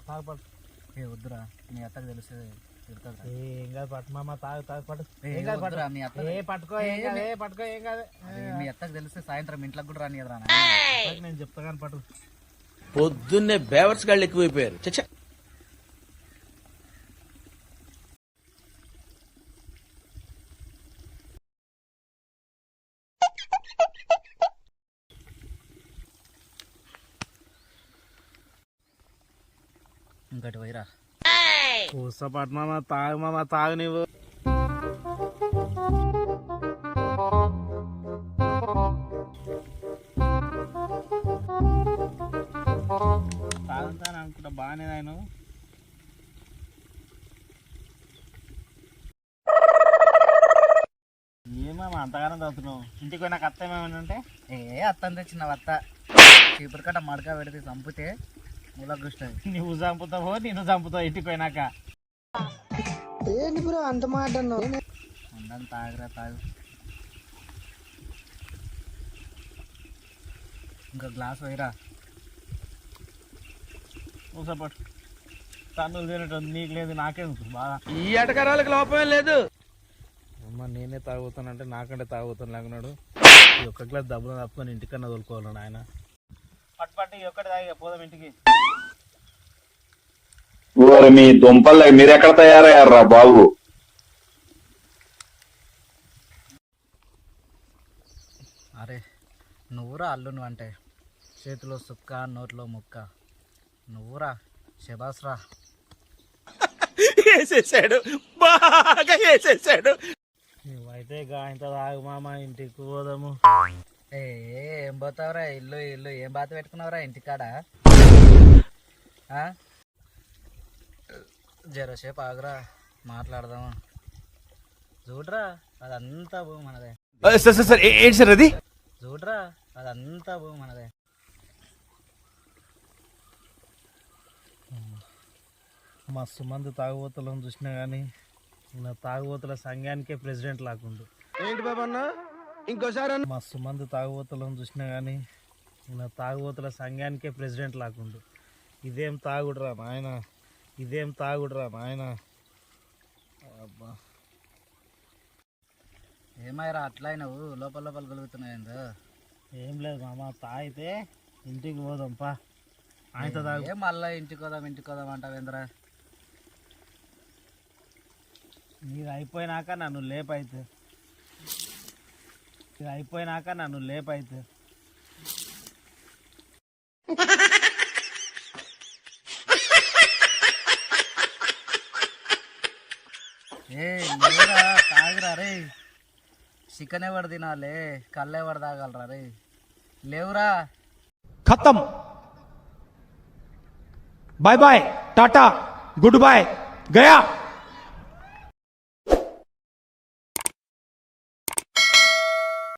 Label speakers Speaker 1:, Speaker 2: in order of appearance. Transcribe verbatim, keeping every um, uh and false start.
Speaker 1: తాగపడు.
Speaker 2: ఏ వద్దురా, మీ అత్తకు తెలిస్తే తిడుతుందిరా.
Speaker 1: ఏం కాదు పట్టు మామ, తాగు తాగు పట్టు.
Speaker 2: ఏ
Speaker 1: ఏం కాదు
Speaker 2: వద్దురా,
Speaker 1: పట్టు.
Speaker 2: మీ అత్త
Speaker 1: ఏ పట్టుకో, ఏం కాదు, ఏ పట్టుకో, ఏం కాదు.
Speaker 2: అదే మీ అత్తకు తెలిస్తే సాయంత్రం ఇంట్లోకి కూడా రాని ఎదురా.
Speaker 1: నేను చెప్తా కానీ పట్టు.
Speaker 3: పొద్దున్నే బేవర్స్ గాళ్ళు ఎక్కువైపోయారు. చచ్చా
Speaker 2: ఇంకటి పోయిరా.
Speaker 1: కూస పట్టు మామ, తాగు మామ, తాగు నువ్వు. తాగుతాను అనుకుంటా బాగానే ఆయన. ఏమో అంతగానో తాగుతున్నావు. ఇంటికి పోయినా అత్త ఏమేమి ఉంటే
Speaker 2: ఏ అత్తని తెచ్చిన అత్త చీపురు కట్ట మడక పెడితే చంపితే మూలగుస్తుంది.
Speaker 1: నువ్వు చంపుతావో నేను చంపుతావు ఇంటికి పోయినాక.
Speaker 4: ఏంటి బ్రో అంత మాట అన్నావు?
Speaker 2: ఉందని తాగురా తాగు. ఇంకా గ్లాస్ పోయిరా.
Speaker 1: కూసపట్టు. తన్నులు తినటం నీకు లేదు, నాకేందుకు బాగా.
Speaker 3: ఈ ఎటకరాలకు లోపమే లేదు.
Speaker 1: అమ్మ నేనే తాగుతానంటే నాకంటే తాగుతాను లేకున్నాడు. ఈ ఒక్క గ్లాస్ డబ్బులు తప్పుకొని ఇంటికన్నా తోలుకోవాలి ఆయన. పట్టు పట్టు ఒక్కటి తాగి పోదాం ఇంటికి.
Speaker 5: మీ దుంపలు మీరు ఎక్కడ తయారయ్యారా బాబు?
Speaker 2: అరే నువ్వురా అల్లును అంటే చేతిలో సుక్క నోట్లో ముక్క. నువ్వురా శబాస్రా.
Speaker 3: వేసేసాడు, బాగా వేసేసాడు.
Speaker 1: నువ్వైతే గాయంత తాగు మామ, ఇంటికి పోదాము.
Speaker 2: ఏ ఏం పోతావురా, ఇల్లు ఇల్లు ఏం బాత పెట్టుకున్నావురా ఇంటికాడ? జరసేపు ఆగురా, మాట్లాడదాము. చూడరా అదంతా భూమి మనదే.
Speaker 3: సార్ సార్ సార్ ఏంటి సార్ అది?
Speaker 2: చూడరా అదంతా భూమి మనదే.
Speaker 1: మస్తు మంది తాగుబోతులను చూసినా కానీ నా తాగుబోతుల సంఘానికే ప్రెసిడెంట్ లాకుండు.
Speaker 3: ఏంటి బాబన్నా ఇంకోసారి?
Speaker 1: మస్తు మంది తాగుబోతులను చూసినా కానీ నా తాగుబోతుల సంఘానికే ప్రెసిడెంట్ లాకుండు. ఇదేం తాగుడురా నాయన, ఇదేం తాగుడురా నాయన. అబ్బా
Speaker 2: ఏమైరా అట్లా నువ్వు లోపల లోపల కలుగుతున్నాయిందో.
Speaker 1: ఏం లేదు మామ, తాగితే ఇంటికి పోదాం పా. ఆయనతో తాగు.
Speaker 2: ఏం మళ్ళా ఇంటికి పోదాం ఇంటికి పోదాం అంటావేంద్రా?
Speaker 1: నీది అయిపోయినాక నన్ను లేపైతే, ఇది అయిపోయినాక నన్ను లేపైతే.
Speaker 2: ఏ లేరా తాగురా రే. చికెన్ ఎవరు తినాలి, కళ్ళు ఎవరు తాగలరా రే? లేవురా.
Speaker 6: खत्म, bye bye, tata, good bye, गया।